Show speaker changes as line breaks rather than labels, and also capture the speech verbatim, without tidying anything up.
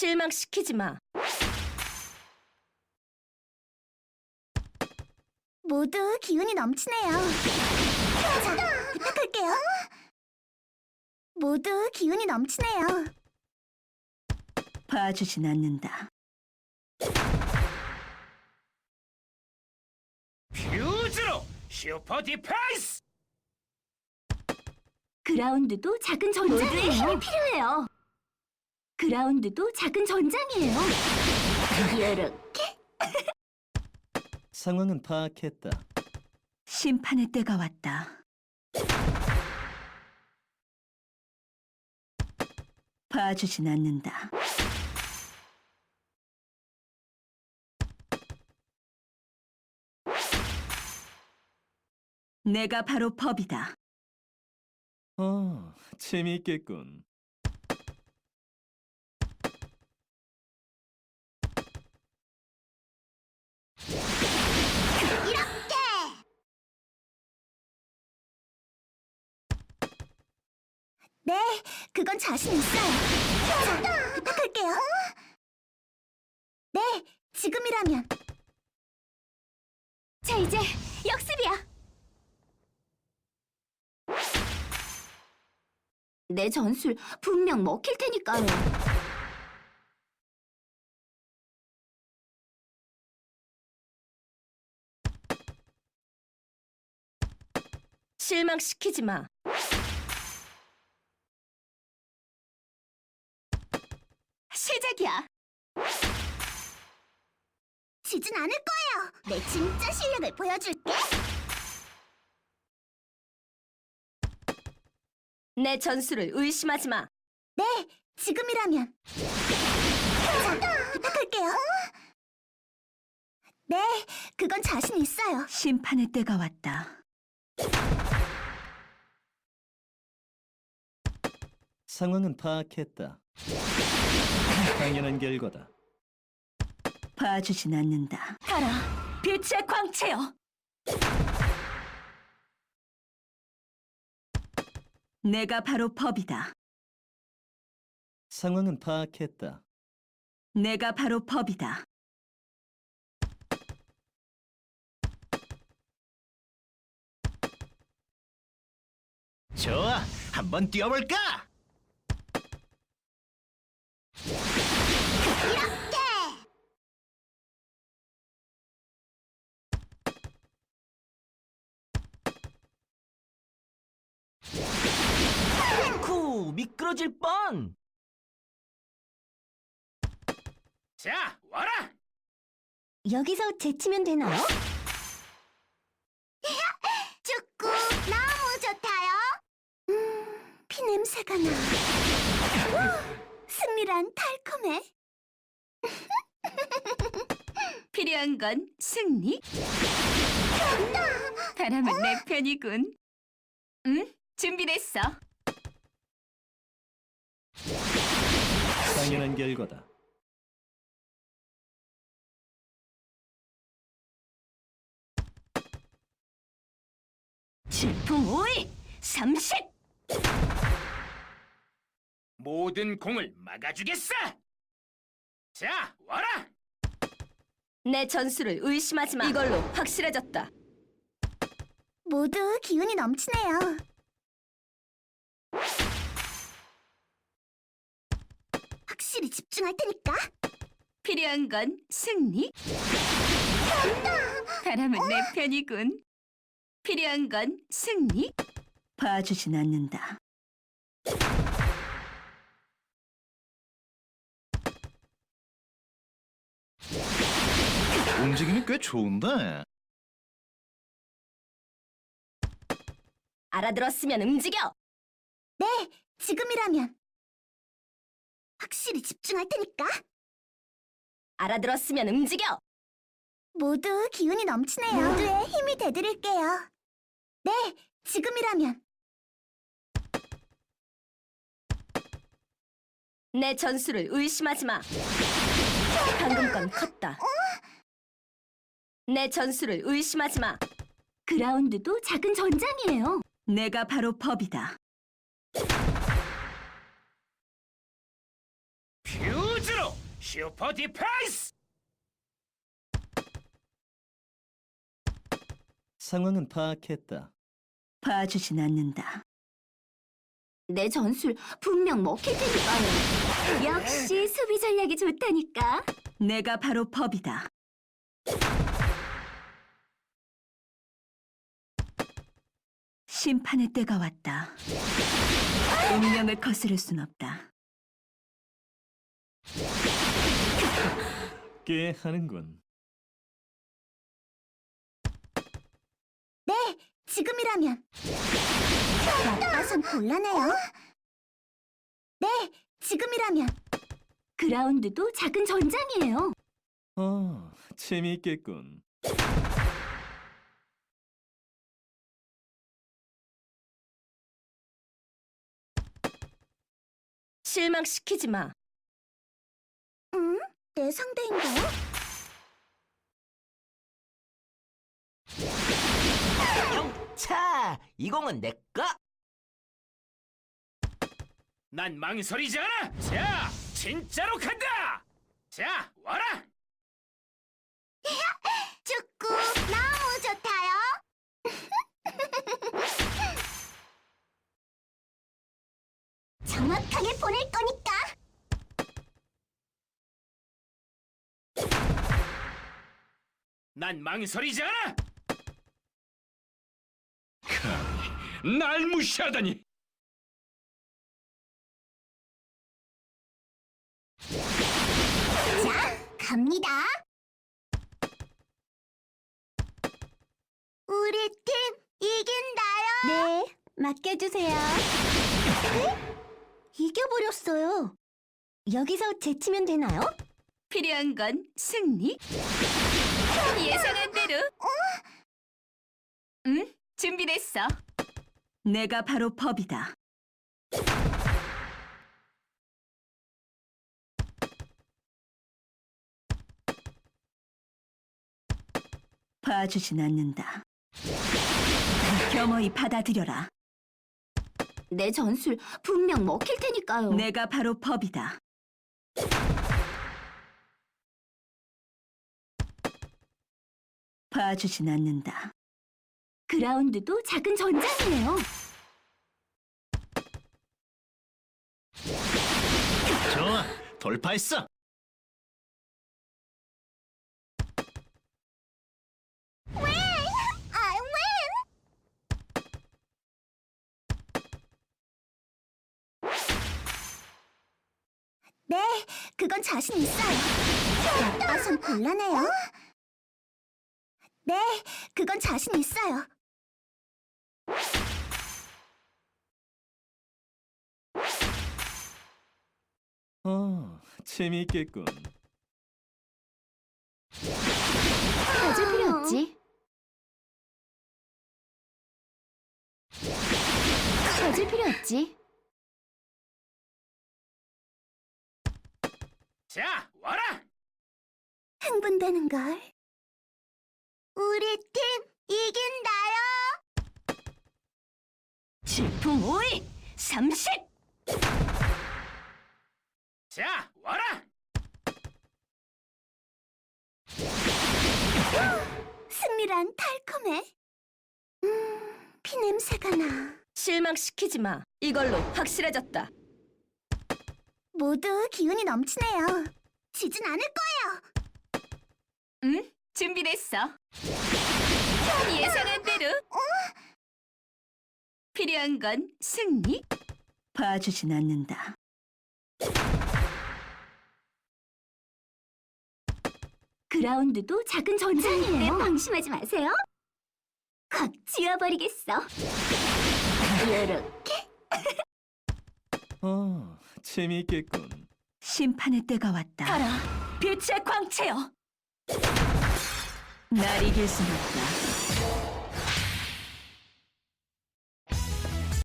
실망시키지 마.
모두 기운이 넘치네요. 자, 부탁할게요. 모두 기운이 넘치네요.
봐주진 않는다.
퓨즈로 슈퍼 디펜스!
그라운드도 작은 전장이에요. 힘이 필요해요. 그라운드도 작은 전장이에요. 이렇게
상황은 파악했다.
심판의 때가 왔다. 봐주진 않는다. 내가 바로 법이다.
어, 재미있겠군.
이렇게. 네, 그건 자신 있어요. 자, 부탁할게요. 네, 지금이라면. 자, 이제 역습이야. 내 전술 분명 먹힐 테니까요.
실망시키지 마.
시작이야. 지진 않을 거예요. 내 진짜 실력을 보여줄게.
내 전술을 의심하지 마.
네, 지금이라면. 자, 부탁할게요. 네, 그건 자신 있어요.
심판의 때가 왔다.
상황은 파악했다. 당연한 결과다.
봐주진 않는다.
가라, 빛의 광채여.
내가 바로 법이다.
상황은 파악했다.
내가 바로 법이다.
좋아, 한번 뛰어볼까?
이렇게.
쿠, 미끄러질 뻔! 자, 와라!
여기서 제치면 되나요? 축구 너무 좋다요. 음, 피 냄새가 나. 우, 승리란 달콤해.
필요한 건 승리. 바람은 내 편이군. 응? 준비됐어.
당연한 결과다.
질풍 오이 삼십.
모든 공을 막아주겠어! 자, 와라!
내 전술을 의심하지 마. 이걸로 확실해졌다.
모두 기운이 넘치네요. 확실히 집중할 테니까.
필요한 건 승리. 바람은 내 편이군. 필요한 건 승리.
봐주진 않는다.
움직임이 꽤 좋은데?
알아들었으면 움직여.
네, 지금이라면. 확실히 집중할 테니까.
알아들었으면 움직여.
모두 기운이 넘치네요. 모두의 힘이 되드릴게요. 네, 지금이라면.
내 전술을 의심하지 마. 방금 건 컸다. 내 전술을 의심하지 마.
그라운드도 작은 전장이에요.
내가 바로 법이다.
퓨즈! 우주로 슈퍼 디펜스!
상황은 파악했다.
봐주진 않는다.
내 전술 분명 먹힐 테니까요. 역시 수비 전략이 좋다니까.
내가 바로 법이다. 심판의 때가 왔다. 운명을 거스를 순 없다.
꽤 하는군.
네, 지금이라면. 나빠선 곤란해요. 네, 지금이라면. 그라운드도 작은 전장이에요.
어, 재미있겠군.
실망시키지 마.
응? 내 상대인가요?
차, 이 공은 내 거.
난 망설이지 않아! 자, 진짜로 간다! 자, 와라!
축구 너무 좋다요. 정확하게 보낼 거니까.
난 망설이지 않아! 감히 날 무시하다니!
자, 갑니다. 우리 팀 이긴다요. 네, 맡겨주세요. 이겨버렸어요. 여기서 제치면 되나요?
필요한 건 승리. 예상한 대로. 응? 준비됐어.
내가 바로 법이다. 봐주진 않는다. 겸허히 받아들여라.
내 전술 분명 먹힐 테니까요.
내가 바로 법이다. 봐주진 않는다.
그라운드도 작은 전장이에요.
좋아, 돌파했어!
I win! 네, 그건 자신 있어요. 나빠선 곤란해요. 네, 그건 자신 있어요.
어, 재미있겠군.
가질 필요 없지. 가질 필요 없지.
자, 와라!
흥분되는걸. 우리 팀 이긴다요.
질풍 오이 삼십.
자, 와라!
승리란 달콤해. 음, 피냄새가 나.
실망시키지 마. 이걸로 확실해졌다.
모두 기운이 넘치네요. 지진 않을 거예요.
응? 준비됐어. 예상한 대로. 필요한 건 승리.
봐주진 않는다.
그라운드도 작은 전장이에요. 방심하지 마세요. 확 지워버리겠어. 이렇게.
어, 재미있겠군.
심판의 때가 왔다.
가라. 빛의 광채여.
날 이길 순 없다.